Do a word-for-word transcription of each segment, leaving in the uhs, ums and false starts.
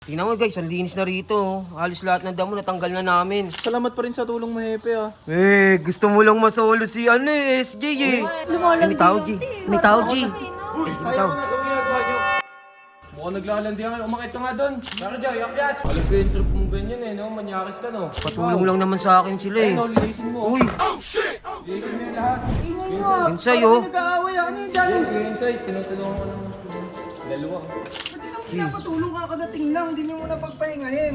Tingnan mo guys, ang linis na rito. Oh. Halos lahat ng damo natanggal na namin. Salamat pa rin sa tulong mo, Hepe, ah. Eh, gusto mo lang masolo si ano eh, S J eh. Eh, may tao, G. May tao, G. Eh, may tao. Mukhang naglalandihan kayo. Umakit ka nga doon. Saka Jay, akyat. Alam ko yung trip mong ganyan eh, no? Manyakis ka, no? Patulong lang naman sa akin sila eh. Eh, no, lilisin mo. Uy, Lilisin mo yung lahat. Ingay mo! Insay oh. Nag-aaway ako niya dyan! Yan, yung inside. Tinutulungan ko ng dalawa. Ba't nang pinapatulong ka kadating lang? Hindi niyo muna pagpahingahin.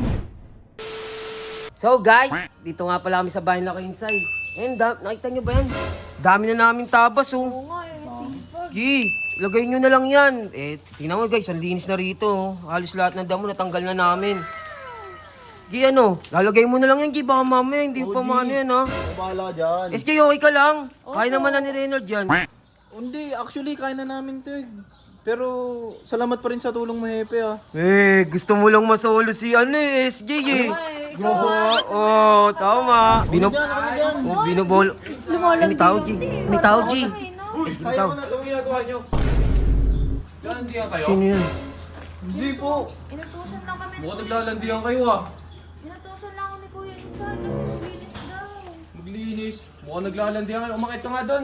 So guys, dito nga pala kami sa bahay na Insay. And da- nakita nyo ba yan? Dami na namin tabas oh. Oo nga, yung sipag. Gi, lagay nyo na lang yan. Eh, tingnan mo guys, ang linis na rito. Oh. Halos lahat ng damo natanggal na namin. Gi, ano? Lalagay mo na lang yan, Gi. Baka mamaya hindi pa maano yan, ha? Bahala dyan. S J, okay ka lang? Kaya naman na ni Reynolds yan. Hindi, actually, kaya na namin to eh. Pero, salamat pa rin sa tulong mo, Hepe, ah. Eh, gusto mo lang masolo si ano eh, S J eh. Ay, Oo, oh, tama. Bino... Ano dyan? Oh, binobol. lumalandi May tao, G. yung May tao, G. Ay, no? Eh, may Kaya tao. ko na itong ginagawa nyo. Landihan kayo? Sino yan? Hindi po. Inutusan lang kami. Mukhang naglalandihan kayo, ah. Inutusan lang ako ni Kuya Insay kasi maglinis daw. Maglinis. Mukhang naglalandihan kayo. Umakit ka nga doon.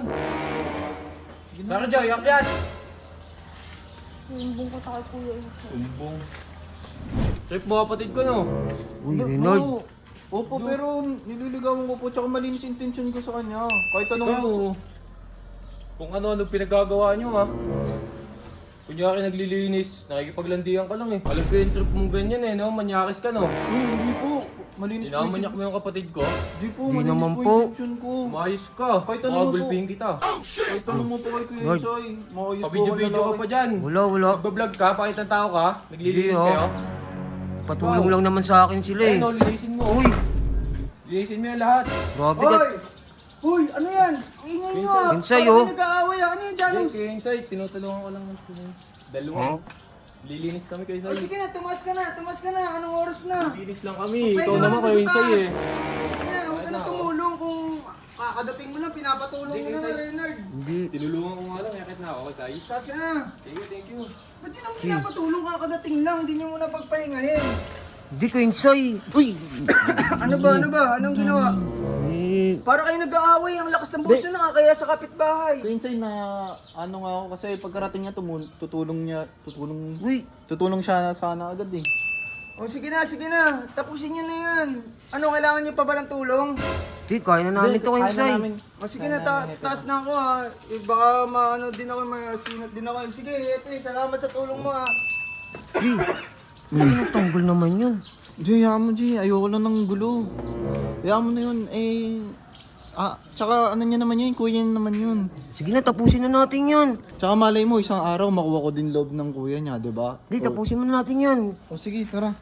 Saka Jay, akyat. Sumbong ko tayo Kuya Insay. Umbong. Trip mo kapatid ko, no? Uy, Reynolds. Oo. Opo, pero nililigawan ko po, tsaka malinis intensyon ko sa kanya. Kahit anong... Ikaw, kung ano-ano pinagagawa nyo, ha? Kunyari naglilinis, nakikipaglandian ka lang eh. Alam ko yung trip mong ganyan eh, no? Manyakis ka, no? Uy, hindi po. Malinis po. Inamanyak mo yung kapatid ko? Hindi po, Hindi malinis naman po po. yung intention ko. Umayos ka. Kahit ano Mga mo po. gulpihin kita. Kahit tanong mo po kay Kuya Lord. Insay. Maayos po Pabidyo-bidyo ka pa dyan. Wala, wala. Nagbablog ka, pakit ng tao ka. Naglilinis Hindi, oh. kayo. Patulong lang naman sa akin sila eh. Eh, no, linisin mo. Uy, Linisin mo yung lahat. grabe ka. Hoy! Uy, ano yan? Ang ingay mo! ah. Insay, Parang oh. nag-aaway ako niya dyan! Yan, kayo inside. Tinutulungan ko lang ng dalawa. Huh? Lilinis kami kayo Oh, inside. sige na, tumas ka na, tumas ka na. Anong oras na? Lilinis lang kami. Pwede Ikaw ka naman na kayo sa inside taas. eh. Sige na, huwag ka na tumulong kung kakadating mo lang, pinapatulong Sige, mo na Insay. na, Reynard. Hindi. Tinulungan ko nga lang. Yakit na ako kasay. Taas ka na. Thank you, thank you. Ba't yun ang pinapatulong kakadating lang? Hindi niyo muna pagpahingahin. Hindi ko Insay. Uy. Ano ba, ano ba? Anong ginawa? Eh, Para kayo nag-aaway, ang lakas ng boses na kaya sa kapitbahay. Insay na ano nga ako kasi pagkarating niya tumun tutulong niya tutulong uy. tutulong siya na sana agad eh. O sige na, sige na. Tapusin niyo na yan. Ano, kailangan niyo pa ba ng tulong? Di, kaya na namin to Insay. O sige na, ta taas na ako ha. Eh, baka maano din ako, masinat din ako. Sige, Epe, salamat sa tulong mo ha. Di, ano natanggol naman yun? Jay, hayaan mo Jay, ayoko lang ng gulo. Hayaan mo na yun, eh... Ah, tsaka ano niya naman yun, kuya niya naman yun. Sige na, tapusin na natin yun. Tsaka malay mo, isang araw makuha ko din loob ng kuya niya, di ba? Di, tapusin mo na natin yan. O sige, tara.